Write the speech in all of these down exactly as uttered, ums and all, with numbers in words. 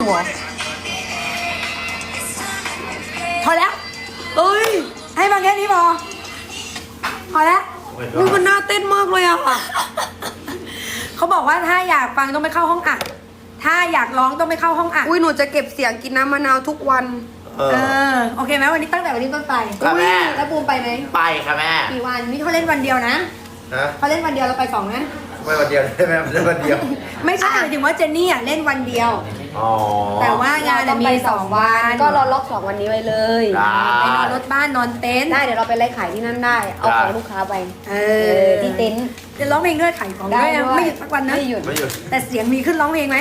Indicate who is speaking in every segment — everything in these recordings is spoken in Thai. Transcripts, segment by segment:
Speaker 1: หัวพอแล้วเอ้ยให้มาแค่นี้พอพอแล้วมึงมันน่าเต้นมากเลยอะค่ะเขาบอกว่าถ้าอยากฟังต้องไปเข้าห้องอัดถ้าอยากร้องต้องไปเข้าห้องอัด
Speaker 2: อุ้ยหนูจะเก็บเสียงกินน้ำมะนาวทุกวัน
Speaker 1: เออโอเคไหมวันนี้ตั้งแต่วันนี้ต้นไป
Speaker 3: ค่ะแม่
Speaker 1: แล้วบูมไปไหม
Speaker 3: ไปค่ะแม่
Speaker 1: กี่วันนี่เขาเล่นวันเดียวนะเขาเล่นวันเดียวเราไปสองนะ
Speaker 3: ไม่วันเดียวใช่ไหมไม่ใช่วันเดียว
Speaker 1: ไม่ใช่หมายถึงว่าเจนนี่อ่ะเล่นวันเดียวแต่ว่างานมีสองวัน
Speaker 2: ก็รอล็อกสองวันนี้ไว้เลย
Speaker 1: ไปนอนรถบ้านนอนเต็นท์
Speaker 2: ได้เดี๋ยวเราไปไล่ขายที่นั่นได้เอาของลูกค้าไป
Speaker 1: เออ
Speaker 2: ที่เต็นท์
Speaker 1: จะร้องเพลงด้วยขายของด้วยไม่หยุดสักวันนะ
Speaker 2: ไม่หยุดไม่หยุด
Speaker 1: แต่เสียงมีขึ้นร้องเพลงไหม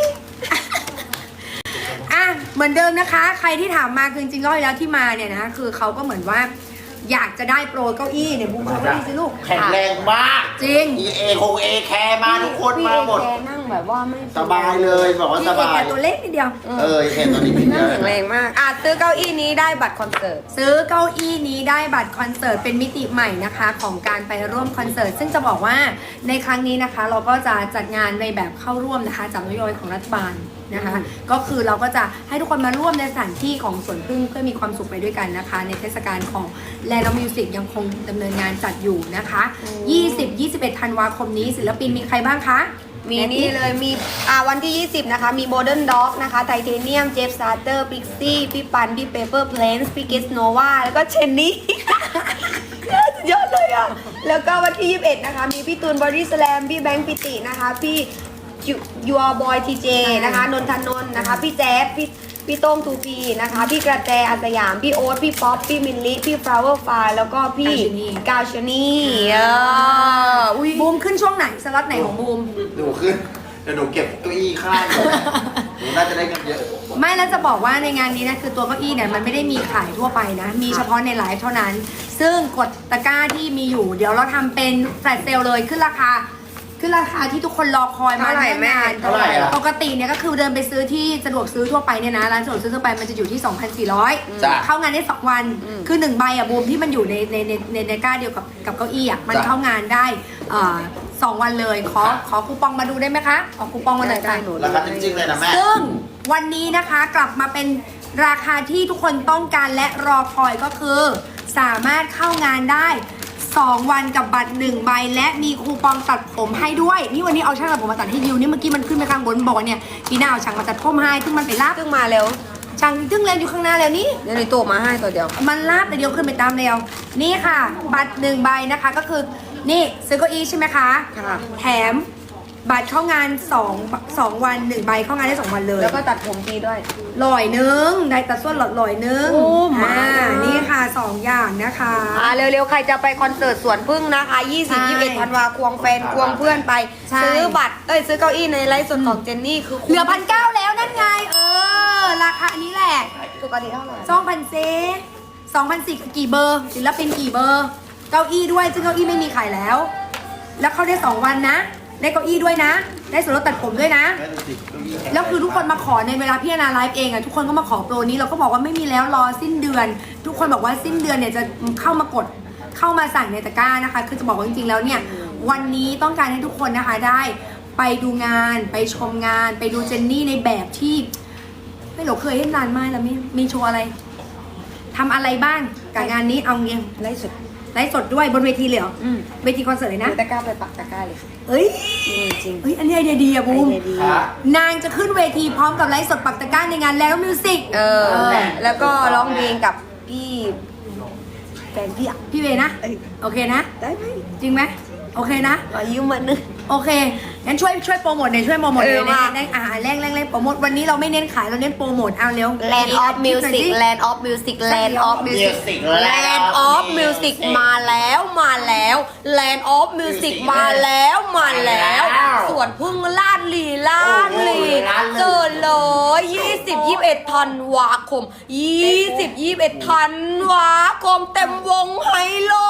Speaker 1: อ่ะเหมือนเดิมนะคะใครที่ถามมาคือจริงๆรอบแล้วที่มาเนี่ยนะคือเขาก็เหมือนว่าอยากจะได้โปรเก้าอี้เนี่ยบูมเอาเก้าอี้สิลูก
Speaker 3: แข็งแรงมาก
Speaker 1: จริง
Speaker 3: เอคงเอแคร์มาทุกคนมาหมด
Speaker 2: นั่งแบบว่าไม่
Speaker 3: สบายเลยบอกว่าสบาย
Speaker 1: ตัวเล็กนิดเดียว
Speaker 3: เออแค่ตัวนี้
Speaker 2: นั่งแข็งแรงมากอ่ะซื้อเก้าอี้นี้ได้บัตรคอนเสิร์ต
Speaker 1: ซื้อเก้าอี้นี้ได้บัตรคอนเสิร์ตเป็นมิติใหม่นะคะของการไปร่วมคอนเสิร์ตซึ่งจะบอกว่าในครั้งนี้นะคะเราก็จะจัดงานในแบบเข้าร่วมนะคะจากนโยบายของรัฐบาลนะคะก็คือเราก็จะให้ทุกคนมาร่วมในสถานที่ของสวนพึ่งเพื่อมีความสุขไปด้วยกันนะคะในเทศกาลของ Land of Music ยังคงดำเนินงานจัดอยู่นะคะ ยี่สิบ ยี่สิบเอ็ด ธันวาคมนี้ศิลปินมีใครบ้างคะ
Speaker 2: มีนี่เลยมีอ่าวันที่ยี่สิบนะคะมีโมเดิร์นด็อกนะคะไทเทเนียมเจฟซาร์เตอร์พิกซี่พี่ปันพี่เปเปอร์เพลนส์พี่เกสโนวาแล้วก็เชนนี่เยอะเลยอ่ะแล้วก็วันที่ยี่สิบเอ็ดนะคะมีพี่ตูนบอดี้สแลมพี่แบงค์ปิตินะคะพี่ยูอาร์บอยทีเจนะคะนนทนนท์นะคะพี่แจ๊บพี่พี่โต้งทูพีนะคะพี่กระแตอาสยามพี่โอ๊ตพี่ป๊อปพี่มินลิพี่ฟลาวเวอร์ไฟแล้วก็พี่กาชนีเออ
Speaker 1: อุ้ยบูมขึ้นช่วงไหนสล็อตไหนของบูม
Speaker 3: หนูขึ้นเดี๋ยวหนูเก็บเก้าอี้ข้างหนูน่าจะได้เงินเยอะ
Speaker 1: ไม่แล้วจะบอกว่าในงานนี้นะคือตัวเก้าอี้เนี่ยมันไม่ได้มีขายทั่วไปนะมีเฉพาะในไลฟ์เท่านั้นซึ่งกดตะกร้าที่มีอยู่เดี๋ยวเราทำเป็นแฟลชเซลเลยขึ้นราคาคือราคาที่ทุกคนรอคอยมา
Speaker 2: ตั้งนาน
Speaker 1: ปกติเนี่ยก็คือเดินไปซื้อที่สะดวกซื้อทั่วไปเนี่ยนะร้านสะดวกซื้อทั่วไปมันจะอยู่ที่ สองพันสี่ร้อย เข้างานได้สองวันคือหนึ่งใบอ่ะบูมที่มันอยู่ในในในในในก้าเดียวกับกับเก้าอี้อ่ะมันเข้างานได้สองวันเลยขอขอคูปองมาดูได้ไหมคะขอคูปองมาหน่อยค่ะ
Speaker 3: ราคาจริงๆเลยนะแม่
Speaker 1: ซึ่งวันนี้นะคะกลับมาเป็นราคาที่ทุกคนต้องการและรอคอยก็คือสามารถเข้างานได้สองวันกับบัตรหนึ่งใบและมีคูปองตัดผมให้ด้วยนี่วันนี้เอาช่างตัดผมมาตัดให้ยิวนี่เมื่อกี้มันขึ้นไปข้างบนบอกเนี่ยพี่หน้าเอาช่างมาตัดผมให้ซึ่งมันไปลาบ
Speaker 2: ซึ่งมาเร็ว
Speaker 1: ช่างซึ่งเล่นอยู่ข้างหน้าแล้วนี่
Speaker 2: เดี๋ยวในตัวมาให้ตัวเดียว
Speaker 1: มันลาบแต่เดียวขึ้นไปตามเร็วนี่ค่ะบัตรหนึ่งใบนะคะก็คือนี่ซื้อเก้าอี้ใช่ไหมคะ
Speaker 2: ค่ะ
Speaker 1: แถมบัตรเข้างานสอง สองวันหนึ่งใบเข้างานได้สองวันเลย
Speaker 2: แล้วก็ตัดผมฟรีด้วย
Speaker 1: ลอยนึงได้ตัดส่วนหลอดลอยนึงอ่านี่ค่ะสองอย่างนะคะ
Speaker 2: อ่าเร็วๆใครจะไปคอนเสิร์ตสวนพึ่งนะคะยี่สิบ ยี่สิบเอ็ดธันวาควงแฟนควงเพื่อนไปซื้อบัตรเอ้ยซื้อเก้าอี้ในไลฟ์สดของเจนนี่คือ
Speaker 1: เหลือพันเก้าแล้วนั่นไงเออราคานี้แหละ
Speaker 2: ปกติเท่าไหร่
Speaker 1: สองพันเซสองพันสี่กี่เบอร์ศิลปินกี่เบอร์เก้าอี้ด้วยซึ่งเก้าอี้ไม่มีขายแล้วแล้วเขาได้สองวันนะได้เก้าอี้ด้วยนะได้ส่วนลดตัดผมด้วยนะแล้วคือทุกคนมาขอในเวลาพี่นาไลฟ์เองอะทุกคนก็มาขอโปรนี้เราก็บอกว่าไม่มีแล้วรอสิ้นเดือนทุกคนบอกว่าสิ้นเดือนเนี่ยจะเข้ามากดเข้ามาสั่งในตะกร้านะคะคือจะบอกว่าจริงๆแล้วเนี่ยวันนี้ต้องการให้ทุกคนนะคะได้ไปดูงานไปชมงานไปดูเจนนี่ในแบบที่ไม่หลงเคยเห็นนานมากแล้วมีมีโชว์อะไรทำอะไรบ้างกับงานนี้เอาเงี้ย
Speaker 2: ไลฟ์สด
Speaker 1: ไลฟ์สดด้วยบนเวทีเลยเหรอเวทีคอนเสิร์ตเลยนะ
Speaker 2: ตะกร้าไปปักตะกร้าเลย
Speaker 1: เอ้ย
Speaker 2: จริง
Speaker 1: เฮ้ยอันนี้ไอเดียดีอะบูมนางจะขึ้นเวทีพร้อมกับไลฟ์สดปักตะกร้าในงานแล้วมิวสิก
Speaker 2: เออแล้วก็ร้องเพลงกับพี่แฟนพี่อ่ะ
Speaker 1: พี่เวนะโอเคนะ
Speaker 2: ได้ไหม
Speaker 1: จริงไหมโอเคนะ
Speaker 2: อายุมันนึง
Speaker 1: โอเคงั้นช่วยช่วยโปรโมทหน่อยช่วยโปรโมทหน่อยในอาหารแรงแรงแรงโปรโมทวันนี้เราไม่เน้นขายเราเน้นโปรโมทเอาเร็ว
Speaker 2: Land of Music Land of Music Land of Music Land of Music มาแล้วมาแล้ว Land of Music มาแล้วมาแล้วส่วนพึ่งลาดลีลาดลีเจอเลยยี่สิบ ยี่สิบเอ็ดธันวาคมยี่สิบ ยี่สิบเอ็ดธันวาคมเต็มวงไฮโล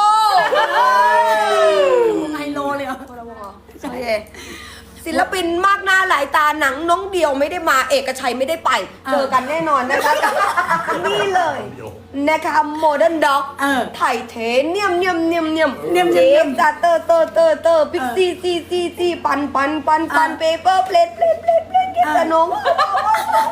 Speaker 1: ไฮโลเลยเหรอ
Speaker 2: โอเคศิลปินมากหน้าหลายตาหนังน้องเดียวไม่ได้มาเอกชัยไม่ได้ไปเจอกันแน่นอนนะคะนี่เลยนะคะโมเดิร์นด็อกไทเทเนียมเนียมเนียมเนียมเนียมเนียมจัตเตอร์เตอร์เตอร์เตอร์พิกซี่ซีซีซีปันปันปันปันเปเปอร์เพลทเพลทเพลทเพลทเกสโน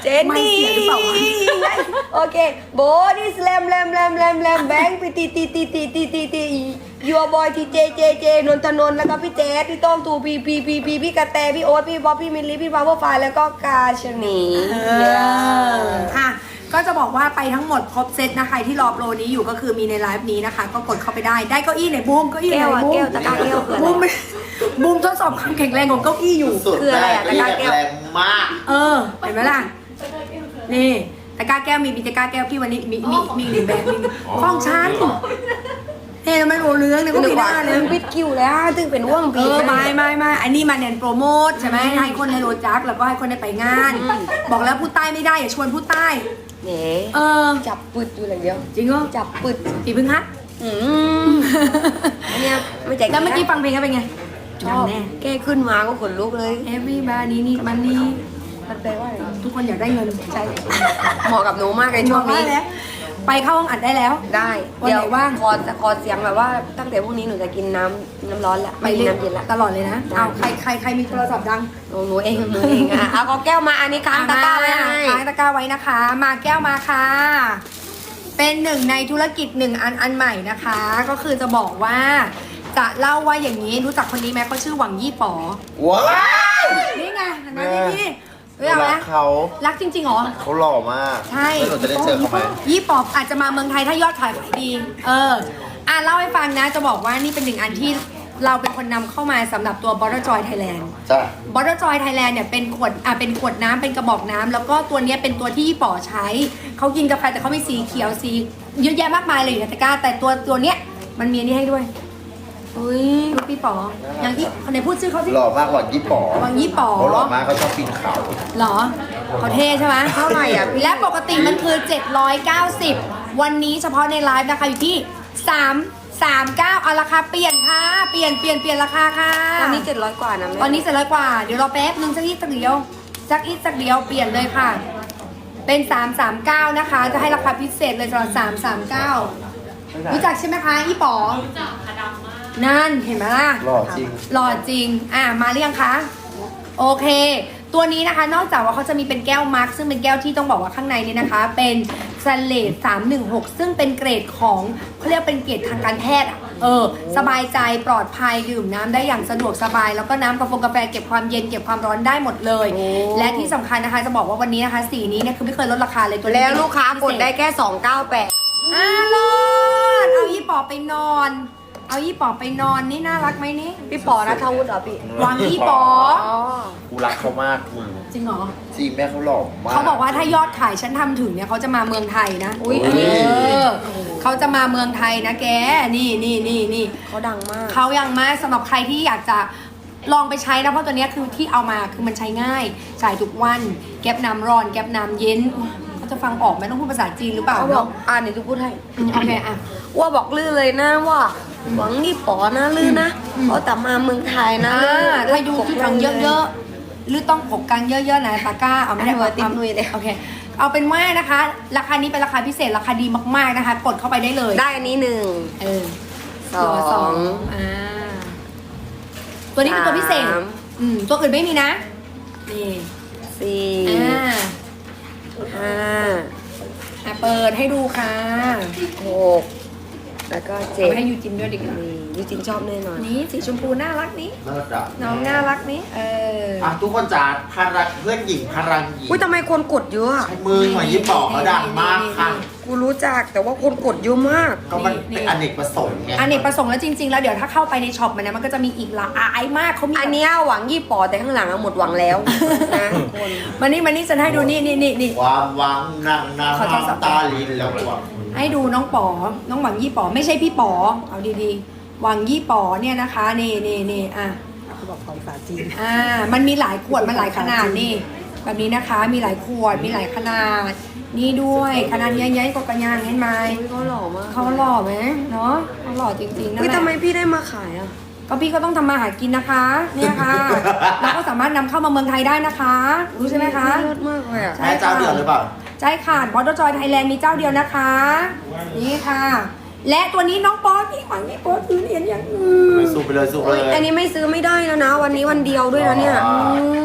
Speaker 2: นนี่
Speaker 1: ไม่เสียหรือเปล่าวะ
Speaker 2: โอเคโบนี่แลมแลมแลมแลมแลมแบงค์พี่ตีตีตีตีตีตีตียัวบอยทีเจเจเจนนทนนท์แล้วก็พี่เจสพี่โต้งตูพีพีพีพีพี่กระแตพี่โอ๊ตพี่บ๊อบพี่มิลลี่พี่พาวเวอร์ไฟแล้วก็กาชนี
Speaker 1: เอออ่ะก็จะบอกว่าไปทั้งหมดครบเซตนะใครที่รอโปรนี้อยู่ก็คือมีในไลฟ์นี้นะคะ ก็กดเข้าไปได้ได้เก้าอี้ไหนบูมเก้าอี้ไห
Speaker 2: แก้
Speaker 1: น
Speaker 2: วอะ
Speaker 1: บูม
Speaker 2: แก้วตะกร้าแก้วคืออะไร
Speaker 1: บูมไม่บูมทดสอบความแข็งแรงของเก้าอี้อยู่
Speaker 3: สุด
Speaker 2: คืออะไร
Speaker 3: ได้
Speaker 2: อะ
Speaker 3: เก้าอี้
Speaker 2: ตะกร้าแก้ว
Speaker 3: แรงมาก
Speaker 1: เออเห็นไหมล่ะนี่ตะกร้าแก้วมีมีตะกร้าแก้วพี่วันนี้มีมีมีหนึ่งแบบมีฟ้องชั้นเฮ้ยทำไมโอเลื้องเนี่ยก็
Speaker 2: นึก
Speaker 1: มีห
Speaker 2: ว่า
Speaker 1: น้าเลย
Speaker 2: ปิดคิวแล้วตึงเป็นว่าง
Speaker 1: เอ
Speaker 2: พี
Speaker 1: อไม่ไม่ไม่อันนี้มาเน้นโปรโมทใช่ไหมให้คนในโรจักแล้วก็ให้คนได้ไปงาน บอกแล้วพูดใต้ไม่ได้อย่าชวนพูดใต้
Speaker 2: เนี่ย
Speaker 1: เออ
Speaker 2: จับปึดอยู่อย่างเดียว
Speaker 1: จริงเหรอ
Speaker 2: จับปึด
Speaker 1: ปีพึ่งฮัท
Speaker 2: อืมอันเนี้ยไม่ใจ
Speaker 1: แล้วเมื่อกี้ฟังเพลงก็เป็นไง
Speaker 2: ชอบ
Speaker 1: แน่
Speaker 2: แก้ขึ้นมาก็ขนลุกเลย
Speaker 1: everybody need money
Speaker 2: มันแปลว่าอะไร
Speaker 1: ทุกคนอยากได้เงินใช่
Speaker 2: เหมาะกับหนูมากในช่วงนี้
Speaker 1: แล้วไปเข้าห้องอัดได้แล้ว
Speaker 2: ได้
Speaker 1: วันไหนว่าง
Speaker 2: คอจะคอเสียงแบบว่าตั้งแต่พรุ่งนี้หนูจะกินน้ำน้ำร้อนละ
Speaker 1: ไป
Speaker 2: ไม่กิน
Speaker 1: เรื่อย
Speaker 2: น้ำเย็นละ
Speaker 1: ตลอดเลยนะ
Speaker 2: ได้
Speaker 1: เอาใครใครใครมีโทรศัพท์ดัง
Speaker 2: หนูหนูเองหนูเองอ่ะเอาก็แก้วมาอันนี้ค้างตะกร้าไว้ให้
Speaker 1: ค้างตะกร้าไว้นะคะ มาแก้วมาค่ะ เป็นหนึ่งในธุรกิจหนึ่งอันอันใหม่นะคะ ก็คือจะบอกว่า จะเล่าว่าอย่างนี้รู้จักคนนี้ไหมเขาชื่อหวังยี่ป๋อ
Speaker 3: ว้าว
Speaker 1: นี่ไงเห็นไหม
Speaker 3: แม่
Speaker 1: พี่เฮ้ยเอาไหม
Speaker 3: รักเขา
Speaker 1: รักจริงๆเหรอ
Speaker 3: เขาหล่อมาก
Speaker 1: ใช่
Speaker 3: แล้วหนูจะได้เจอเขาไหม
Speaker 1: ยี่ปอบอาจจะมาเมืองไทยถ้ายอดขายขายดี เออ อ่ะเล่าให้ฟังนะ จะบอกว่านี่เป็นหนึ่งอันที่เราเป็นคนนำเข้ามาสำหรับตัว Bottle Joy Thailand
Speaker 3: จ้ะ
Speaker 1: Bottle Joy Thailand เนี่ยเป็นขวด อ่ะเป็นขวดน้ำเป็นกระบอกน้ำแล้วก็ตัวเนี้ยเป็นตัวที่ยี่ป๋อใช้ เขากินกาแฟแต่เขามีสีเขียวสีเยอะแยะมากมายเลยอยู่ในตะกร้า แต่ตัวตัวเนี้ยมันมีอันนี้ให้ด้วยอุ้ยดูพี่ป๋อ อย่างที่คนไหนพูดชื่อเขาสิ
Speaker 3: หล่อมากหล่อยี่ป๋อ
Speaker 1: หวังยี่ป๋อ
Speaker 3: เขาหล่อมากเขาชอบปีนเขา
Speaker 1: เหรอเขาเท่ใช่ไหม
Speaker 2: เท่าไหร่อ่ะพี่
Speaker 1: และปกติมันคือ เจ็ดร้อยเก้าสิบ วันนี้เฉพาะในไลฟ์นะคะอยู่ที่ สาม สามเก้า เอาราคาเปลี่ยนค่ะ เปลี่ยนเปลี่ยนเปลี่ยนราคาค่ะ
Speaker 2: ตอนนี้เจ็ดร้อยกว่านะแม่
Speaker 1: ตอนนี้เจ็ดร้อยกว่า เดี๋ยวรอแป๊บนึงสักอีกสักเดียวสักอีกสักเดียวเปลี่ยนเลยค่ะ เป็น สาม สามเก้า นะคะ จะให้ราคาพิเศษเลยสำหรับสาม สามเก้า รู้จักใช่ไหมคะอีป๋อรู้จักค่ะดำมากนั่นเห็นไหมล่ะ
Speaker 3: หล่อจริง
Speaker 1: หล่อจริง อ่ะ มาหรือยังคะ โอเค ตัวนี้นะคะ นอกจากว่าเขาจะมีเป็นแก้วมาร์คซึ่งเป็นแก้วที่ต้องบอกว่าข้างในนี้นะคะ เป็นสเลดสามหนึ่งหกซึ่งเป็นเกรดของเขาเรียกเป็นเกรดทางการแพทย์อะเออ สบายใจปลอดภัยดื่มน้ำได้อย่างสะดวกสบาย แล้วก็น้ำกาแฟกาแฟเก็บความเย็นเก็บความร้อนได้หมดเลย และที่สำคัญนะคะจะบอกว่าวันนี้นะคะสีนี้เนี่ยคือไม่เคยลดราคาเลยตัวนี้
Speaker 2: แล้วลูกค้ากดได้แค่สองเก้าแปด
Speaker 1: อ่ะรอดเอายี่ปอไปนอน เอายี่ปอไปนอนนี่น่ารักไหมนี่
Speaker 2: พี่ปอนะทวุฒิเหรอพี่
Speaker 1: วางยี่ปอ
Speaker 2: อ๋อ
Speaker 3: กูรักเขามากมึง
Speaker 1: จริงเหรอ
Speaker 3: จริงแม่เขาหล่อมาก
Speaker 1: เขาบอกว่าถ้ายอดขายฉันทำถึงเนี่ยเขาจะมาเมืองไทยนะ
Speaker 2: อุ๊ย
Speaker 1: เออเขาจะมาเมืองไทยนะแก นี่นี่นี่นี่
Speaker 2: เขาดังมาก
Speaker 1: เขายังมาสำหรับใครที่อยากจะลองไปใช้นะเพราะตัวเนี้ยคือที่เอามาคือมันใช้ง่ายใช้ทุกวัน แก๊บน้ำร้อน แก๊บน้ำเย็นเขาจะฟังออกไหมต้องพูดภาษาจีนหรือเปล่า
Speaker 2: เขาบอก
Speaker 1: เนาะ
Speaker 2: อ่านเดี๋ยวจะพูดให้
Speaker 1: อืมโอเคอ่ะ
Speaker 2: ว่าบอกลื่นเลยนะว่าหวังนี่ปอนะลื่นนะ
Speaker 1: อืม
Speaker 2: เพราะแต่มาเมืองไทยนะ
Speaker 1: อ่า
Speaker 2: ลื่น
Speaker 1: ถ้าอยู่ที่ถังเยอะๆ หรือต้องปกกันเยอะๆนะตะกร้าเอาไม่ได้
Speaker 2: เอาติ๊บนุ้ยเลย
Speaker 1: โอเค เอาเป็นว่านะคะ ราคานี้เป็นราคาพิเศษราคาดีมากๆนะคะ กดเข้าไปได้เลย
Speaker 2: ได้อันนี้หนึ่ง
Speaker 1: เออ
Speaker 2: สอง
Speaker 1: สองอ่าตัวนี้เป็นตัวพิเศษ
Speaker 2: สาม
Speaker 1: อืมตัวอื่นไม่มีนะ นี่
Speaker 2: สี่
Speaker 1: อ่า
Speaker 2: ห้า
Speaker 1: อ่ะเปิดให้ดูค่ะ
Speaker 2: หกแล้วก็
Speaker 1: เอา
Speaker 2: เจ็ด
Speaker 1: ไปให้ยูจินด้วยดิ
Speaker 2: นี่ยูจินชอบแน่นอน
Speaker 1: นี่สีชมพูน่ารักนี้
Speaker 3: น่ารัก
Speaker 1: น้องน่ารักนี้ เออ
Speaker 3: อ่ะทุกคนจ้าพลังเพื่อนหญิงพลังหญิง
Speaker 2: อุ้ยทำไมคนกดเยอะอะ
Speaker 3: มือหน่อยยี่ป๋อเขาดังมากค่ะ
Speaker 2: กูรู้จักแต่ว่าคนกดเยอะมาก
Speaker 3: ก็มัน
Speaker 1: นี่
Speaker 3: เป็นอเนกประสงค์ไง
Speaker 1: อันนี้ประสงค์แล้วจริง ๆ แล้วเดี๋ยวถ้าเข้าไปในช็อปมันนะมันก็จะมีอีกหลายมากเขามี
Speaker 2: อันเนี้ยหวังยี่ปอแต่ข้างหลังอะหมดหวังแล้วนะคน
Speaker 1: มานี่มานี่ฉันให้ดูนี่นี่นี่นี่
Speaker 3: ความหวังนั่งน้
Speaker 1: ขอโทรศัพท์
Speaker 3: ำตาลินแล้วหวัง
Speaker 1: ให้ดูน้องป๋อ น้องหวังยี่ป๋อไม่ใช่พี่ป๋อ เอาดีๆ หวังยี่ป๋อเนี่ยนะคะ นี่นี่นี่อ่ะ
Speaker 4: เขาบอกภาษาจีน
Speaker 1: อ่า มันมีหลายขวด มันหลายขนาดนี่ แบบนี้นะคะ มีหลายขวด มีหลายขนาด นี่ด้วยขนาดใหญ่ๆกว่ากระยางเห็นไหม
Speaker 2: อุ๊ยเขาหล่อมาก
Speaker 1: เขาหล่อไหมเนาะเขาหล่อจริงๆนะ
Speaker 2: อุ้ย
Speaker 1: แหละ
Speaker 2: ทำไมพี่ได้มาขายอ่ะ
Speaker 1: ก็พี่ก็ต้องทำมาหากินนะคะ เนี่ยค่ะ เราก็สามารถนำเข้ามาเมืองไทยได้นะคะ รู้ใช่ไหมคะ
Speaker 2: เลิศมากเลยอ่ะ
Speaker 1: ใช่
Speaker 3: แม่เจ้าเดียวหรือเปล่า
Speaker 1: ใช่ค่ะบอสจอยไทยแลนด์มีเจ้าเดียวนะคะ นี่ค่ะ และตัวนี้น้องป๊อตพี่หวังพี่ป๊อตซื้อเหรียญอย่างอื่น
Speaker 3: สู้ไปเลยสู้ไป
Speaker 2: โอ้ย
Speaker 3: เลย
Speaker 2: อันนี้ไม่ซื้อไม่ได้แล้วนะ วันนี้วันเดียวด้วยนะเนี่ย
Speaker 3: ว้าว
Speaker 1: อืม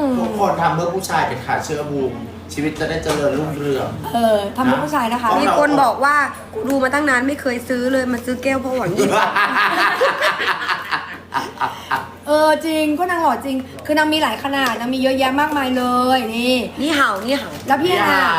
Speaker 3: ทุกคนทำเพื่อผู้ชายเป็นขาเชื่อบูมชีวิตจะได้เจริญรุ่งเรือง
Speaker 1: เออทำเพื่อผู้ชายนะคะ
Speaker 2: มีคนบอกว่ากูดูมาตั้งนานไม่เคยซื้อเลยมาซื้อแก้วเพราะหวังยี่สิบ
Speaker 1: เออจริงก็นางหล่อจริง คือนางมีหลายขนาดนางมีเยอะแยะมากมายเลยนี่
Speaker 2: นี่เห่านี่เห่า
Speaker 1: แล้วพี่แอนนา
Speaker 3: ว้าว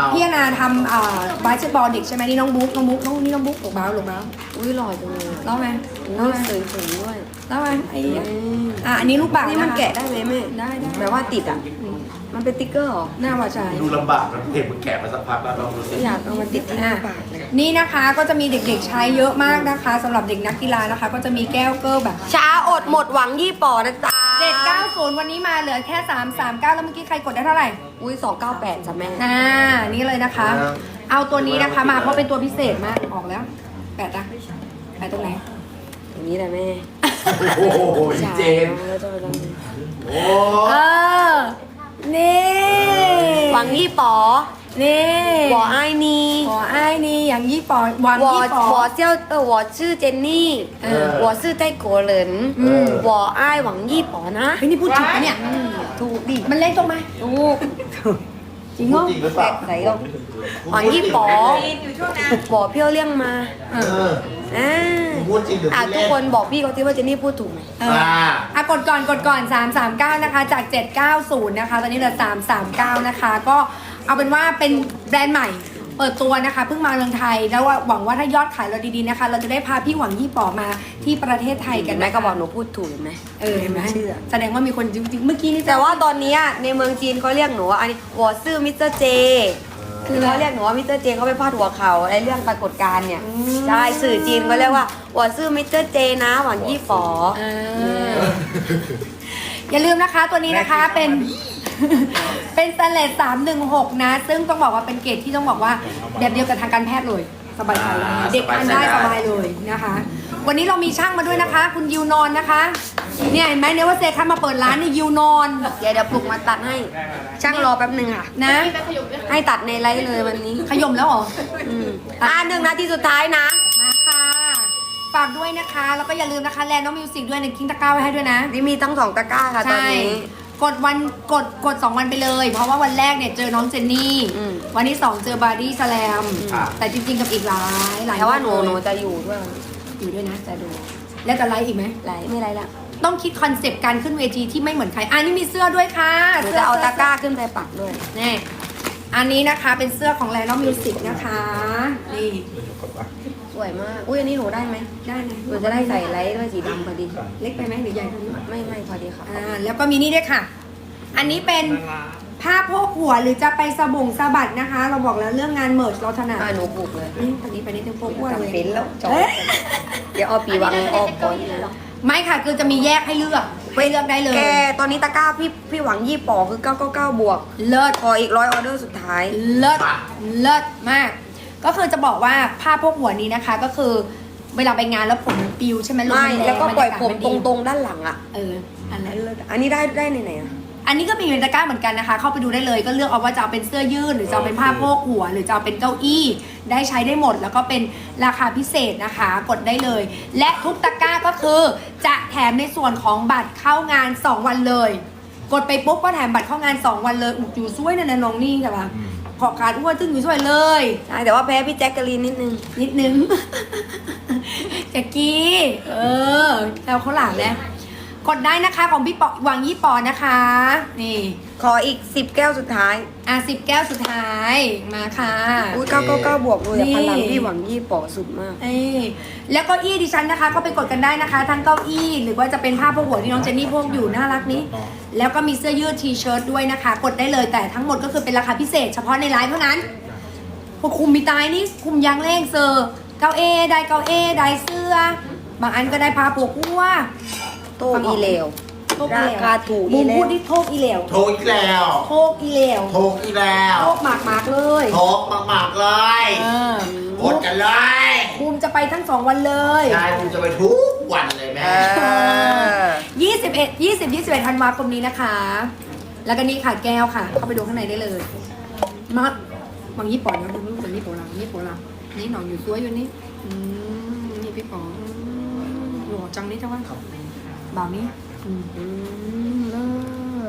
Speaker 1: พี่แอนนาทำอ่าบาสเกตบอลเด็กใช่ไหมนี่น้องบุ๊กน้องบุ๊กน้องนี่น้องบุ๊กหลงบ้าหลงบ้า
Speaker 2: อุ้ยหล่อจังเลย
Speaker 1: เล่าไหม
Speaker 2: อุ้
Speaker 1: เล่าย ไหม
Speaker 2: สวยๆด้วย
Speaker 1: เล่าไหมไอ้เหี้ย
Speaker 2: อืม
Speaker 1: อ่ะอันนี้ลูกบาศก์
Speaker 2: นี่มัน
Speaker 1: ค
Speaker 2: แกะได้ไหมแม่
Speaker 1: ได้ได้
Speaker 2: แบบว่าติดอ่ะ มันเป็นติ๊กเกอร์เหรอ
Speaker 1: หน้าว่าใช่
Speaker 3: ดูลำบากนะเพจมึงแกะมาสักพักแล้วลองดูสิ
Speaker 2: อยากเอามาติดที่หน้าปากเลย
Speaker 1: นี่นะคะก็จะมีเด็กๆใช้เยอะมากนะคะสำหรับเด็กนักกีฬานะคะ ก็จะมีแก้วเกอร์แบบ
Speaker 2: ช้าอดหมดหวังยี่ป๋อนะจ๊ะ
Speaker 1: เจ็ดเก้าศูนย์วันนี้มาเหลือแค่สามสามเก้าแล้วเมื่อกี้ใครกดได้เท่าไหร่
Speaker 2: อุ้ยสองเก้าแปดจ้ะแม่
Speaker 1: อ่านี่เลยนะคะ เอาตัวนี้นะคะมาเพราะเป็นตัวพิเศษมากออกแล้วแปดนะแปดตรงไหน
Speaker 2: อย่างนี้แหละแม่
Speaker 3: โอ้โหเจน
Speaker 2: แล้วจะไปลองดู
Speaker 3: โอ้
Speaker 1: เออนี่
Speaker 2: หวังยี่ป๋อ
Speaker 1: นี่
Speaker 2: หวอไอ้นี่
Speaker 1: หัวไอ้ายนี่อย่างยี่ปอหวัง
Speaker 2: หวอ
Speaker 1: ยี่ปอ
Speaker 2: หวอเจ้าเออหวอชื่อเจนนี่
Speaker 1: เออ
Speaker 2: หวอชื่อไต้กัวเหริน
Speaker 1: อืม
Speaker 2: หวอไอ้ายหวังยี่ป๋อนะ
Speaker 1: เฮ้ยนี่พูดถูกปะเนี่ย
Speaker 2: ถูกดิ
Speaker 1: มันเล่นตรงไหม
Speaker 2: ถูก
Speaker 1: จริงเหรอ
Speaker 3: จริงหรือเปล่า
Speaker 2: ไหนลงหวังยี่ป๋อหวอเพี้ยวเลี่ยงมา
Speaker 1: เอ
Speaker 3: เอ
Speaker 1: อ
Speaker 3: อ
Speaker 2: อ่า
Speaker 3: พูดจริงหรือ
Speaker 2: อ่ะ
Speaker 3: พูด
Speaker 2: ทุ
Speaker 3: เล่
Speaker 2: กคนบอกพี่เขาที่ว่าเจนนี่พูดถูกไหม
Speaker 1: เออ
Speaker 3: อ่า
Speaker 1: อ่ะกดก่อนกดก่อนสามสามเก้านะคะจากเจ็ดเก้าศูนย์นะคะตอนนี้เหลือสามสามเก้านะคะก็เอาเป็นว่าเป็นแบรนด์ใหม่ เปิดตัวนะคะเพิ่งมาเมืองไทยแล้วว่าหวังว่าถ้ายอดขายเราดีๆนะคะ เราจะได้พาพี่หวังยี่ป๋อมาที่ประเทศไทยกัน
Speaker 2: เห็นไหม
Speaker 1: นะ
Speaker 2: ก็บอกหนูพูดถูกเห็นไหม
Speaker 1: เออเห็นไหม
Speaker 2: เชื่อ
Speaker 1: แสดงว่ามีคนจริงๆเมื่อกี้นี่
Speaker 2: แต่ว่าตอนเนี้ยในเมืองจีนเขาเรียกหนูว่าอันนี้วอซื่อมิสเตอร์เจคือเขาเรียกหนูว่ามิสเตอร์เจเขาไปพาดหัวเขาในเรื่องปรากฏการณ์เนี่ยใช่สื่อจีนเขาเรียกว่าวอซื่อมิสเตอร์เจนะหวังยี่ฝอ
Speaker 1: เอออย่าลืมนะคะตัวนี้นะคะเป็น เป็นสเลสสามหนึ่งหกนะ ซึ่งต้องบอกว่าเป็นเกรดที่ต้องบอกว่าแบบเดียวกับทางการแพทย์เลยสบายใจได้เด็กทานได้สบายเลยนะคะ วันนี้เรามีช่างมาด้วยนะคะ คุณยิวนอนนะคะเนี่ยเห็นไหมเนี่ยว่าเซคันมาเปิดร้านนี่ยิวนอน
Speaker 2: เดี๋ยวเดี๋ยวปลุกมาตัดให้ ช่างรอแป๊บหนึ่งค่ะ
Speaker 1: นะ
Speaker 2: ให้ตัดในไลฟ์เลยวันนี้
Speaker 1: ขยมแล้วเหรอ
Speaker 2: อืมอ่าหนึ่งนาทีสุดท้ายนะ
Speaker 1: มาค่ะฝากด้วยนะคะ แล้วก็อย่าลืมนะคะแลนด์น้องมิวสิกด้วยในคิงตะกร้าไว้ให้ด้วยนะ
Speaker 2: นี่มีตั้งสองตะกร้าค่ะตอน
Speaker 1: ใช่
Speaker 2: นี้
Speaker 1: กดวันกดกดสองวันไปเลย เพราะว่าวันแรกเนี่ยเจอน้องเจนนี่
Speaker 2: อืม
Speaker 1: วันที่สองเจอบาร์ดี้สแลม
Speaker 3: ครับ
Speaker 1: แต่จริงๆกับอีกหลายหลาย
Speaker 2: แต่ว่าหนู
Speaker 1: ค
Speaker 2: หนู
Speaker 1: เลย
Speaker 2: จะอยู่ด้วย
Speaker 1: อยู่ด้วยนะจะดู แล้วจะไลฟ์อีกไหม
Speaker 2: ไลฟ์ไม่ไลฟ์ละ
Speaker 1: ต้องคิดคอนเซปต์การขึ้นเวทีที่ไม่เหมือนใครอันนี้มีเสื้อด้วยค่ะ
Speaker 2: หนู
Speaker 1: สื้
Speaker 2: จะเอาตะกร้าขึ้นไปปักด้วย
Speaker 1: นี่อันนี้นะคะเป็นเสื้อของแลนด์น้องมิวสิกนะคะนี่
Speaker 2: สวยมาก อุ้ยอันนี้หนูได้ไหม
Speaker 1: ได้เลย
Speaker 2: หนูจะได้ใส่ไลท์ด้วยสีดำพอดี
Speaker 1: เล็กไปไหมหรือใหญ่กว่านี้
Speaker 2: ไม่ไม่พอดีค่ะ
Speaker 1: อ่าแล้วก็มีนี่ด้วยค่ะ อันนี้เป็นผ้าโพกหัวหรือจะไปสบงสะบัดนะคะ เราบอกแล้วเรื่องงานเมิร์ชเราถนัด
Speaker 2: อ่าหนูปลูกเลย
Speaker 1: นี่ตอนนี้ไปนิดนึงโพกหัวเลย
Speaker 2: จำเป็นแล้วจบ
Speaker 1: เอ้ย
Speaker 2: เดี๋ยวเอาปีวังออกก่อน
Speaker 1: ไม่ค่ะคือจะมีแยกให้เลือกไปเลือกได้เลย
Speaker 2: แกตอนนี้ตะกร้าพี่พี่หวังยี่ปอคือเก้าเก้าเก้าบวก
Speaker 1: เลิศ
Speaker 2: ขออีกร้อยออเดอร์สุดท้าย
Speaker 1: เลิศเลิศมาก ก็คือจะบอกว่าผ้าโพกหัวนี้นะคะ ก็คือเวลาไปงานแล้วผมมันปิวใช่ไหมลม
Speaker 2: ไม่
Speaker 1: นรง
Speaker 2: แล้วก็ปล่อยผม
Speaker 1: บรร
Speaker 2: ต
Speaker 1: ยากาศนดี
Speaker 2: รงๆด้านหลังอ่ะ
Speaker 1: เอออันนั้น
Speaker 2: อันนี้ได้ได้ในไหนอ่ะ
Speaker 1: อันนี้ก็มีเป็นตะกร้าเหมือนกันนะคะ เข้าไปดูได้เลย ก็เลือกเอาว่าจะเอาเป็นเสื้อยืดหรือจะเอาเป็นผ้าโพกหัว หรือจะเอาเป็นเก้าอี้ ได้ใช้ได้หมด แล้วก็เป็นราคาพิเศษนะคะ กดได้เลย และทุกตะกร้าก็คือจะแถมในส่วนของบัตรเข้างานสองวันเลย กดไปปุ๊บก็แถมบัตรเข้างานสองวันเลยอุดอยู่ช่วยนะนะน้องนี่ค่ะ ขอการอ้วนตึ้งอยู่ช่วยเลย
Speaker 2: ใช่แต่ว่าแพ้พี่แจ็คกะลีนนิดนึง
Speaker 1: นิดนึง แจ็กกี้ เออแล้วเขาหลังแล้วกดได้นะคะของพี่ปอหวังยี่ปอนะคะ นี่
Speaker 2: ขออีกสิบแก้วสุดท้าย
Speaker 1: อ่ะสิบแก้วสุดท้ายมาค่ะ
Speaker 2: อุ้ยเก้าเก้าเก้าบวกเลยอะ
Speaker 1: นี่
Speaker 2: พลังพี่หวังยี่ปอสุดมาก
Speaker 1: เอ้ยแล้วเก้าอี้ดิฉันนะคะ ก็ไปกดกันได้นะคะ ทั้งเก้าอี้หรือว่าจะเป็นผ้าโพกหัวที่น้องเจนนี่พกอยู่น่ารักนี้ แล้วก็มีเสื้อยืดทีเชิ้ตด้วยนะคะ กดได้เลยแต่ทั้งหมดก็คือเป็นราคาพิเศษ เฉพาะในไลฟ์เท่านั้นพวกคุมมีตายนี่คุมยางเล่งเซอร์เก้าเอได้เก้าเอได้เสื้อบางอันก็ได้ผ้าโพกหัว
Speaker 2: โตอีเหลว
Speaker 1: โทกอีเหลว
Speaker 2: ราคาถูก
Speaker 1: บู
Speaker 2: อี
Speaker 1: ม
Speaker 2: แล้ว
Speaker 1: พูดที่โทกอีเหลว
Speaker 3: โทรอีกแล้ว
Speaker 1: โทกอีเหลว
Speaker 3: โทรอีกแล้ว
Speaker 1: โทกหมากหมากๆเลย
Speaker 3: โทรมากๆเลย
Speaker 1: เออก
Speaker 3: ดกันเลย
Speaker 1: บูมจะไปทั้งสองวันเลย
Speaker 3: ใช่ผมจะไปทุกวันเลยแม่
Speaker 2: เออ
Speaker 1: ยี่สิบเอ็ด ยี่สิบ ยี่สิบเอ็ดธันวาคมนี้นะคะ แล้วก็นี่ค่ะแก้วค่ะ เข้าไปดูข้างในได้เลยมาบางยี่ปอนนะดูรูปบางยี่ปอนนะยี่ปอนนะนี่หนอนอยู่สวยอยู่นี่อืมนี่พี่ปอหล่อจังนี่จังวะบ่าวนี้อืม
Speaker 2: อืมเลิศ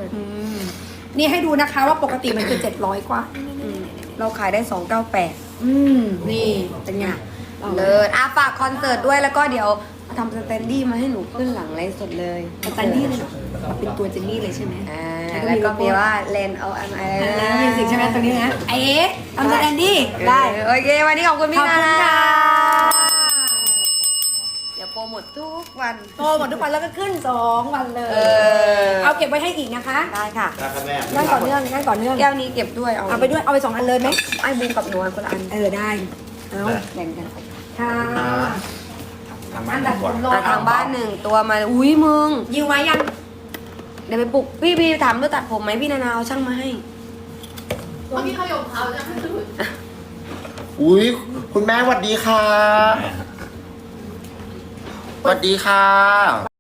Speaker 2: อืม
Speaker 1: นี่ให้ดูนะคะว่าปกติมันคือเจ็ดร้อยกว่า
Speaker 2: อืมเราขายได้สองเก้าแปด
Speaker 1: อืม นี่เป็นไง
Speaker 2: เลิศอ่ะฝากคอนเสิร์ตด้วยแล้วก็เดี๋ยวทำสแตนดี้มาให้หนูขึ้นหลังไลฟ์สดเลย
Speaker 1: สแตนดี้เลยเหรอเป็นตัวเจนนี่เลยใช่ไหม
Speaker 2: อ่าแล้วก็มีว่าเลนเอาอะไร
Speaker 1: มิวสิกใช่ไหมตรงนี้นะเอ๊ะทำสแตนดี้ได้
Speaker 2: โอเค วันนี้ขอบคุณ
Speaker 1: ข
Speaker 2: พี่
Speaker 1: อบ
Speaker 2: นา
Speaker 1: คุณ
Speaker 2: นะ
Speaker 1: ค่ะ
Speaker 2: เดี๋ยวโปรโมททุกวัน
Speaker 1: โตหมดทุกวันแล้วก็ขึ้นสองวันเลย
Speaker 2: เออ
Speaker 1: เอาเก็บไว้ให้อีกนะคะ
Speaker 2: ได้ค่ะ
Speaker 3: ได้ครับแม่
Speaker 1: นั่งต่อเนื่องนั่งต่อเนื่อง
Speaker 2: แก้วนี้เก็บด้วยเอา
Speaker 1: เอาไปด้วยเอาไปสองอันเลยไหม
Speaker 2: ไอ้บูมกับหนูอันคนละอัน
Speaker 1: เออได้เอา
Speaker 2: แบ่งกัน
Speaker 1: ค่ะ
Speaker 3: ทำมา
Speaker 1: อัน
Speaker 3: ดี
Speaker 1: ดับ
Speaker 3: กว่า
Speaker 1: ผมรอ
Speaker 2: อ่ะทางบ้านหนึ่งตัวมาอุ้ยมึง
Speaker 1: ยิวไว้ยัง
Speaker 2: เดี๋ยวไปปลุกพี่พี่ถามด้วยตัดผมไหมพี่นานาเอาช่างมาให้
Speaker 4: เมื่อกี้เขายกเขาจะไม่ถึง
Speaker 3: อุ้ยคุณแม่สวัสดีค่ะสวัสดีค่ะ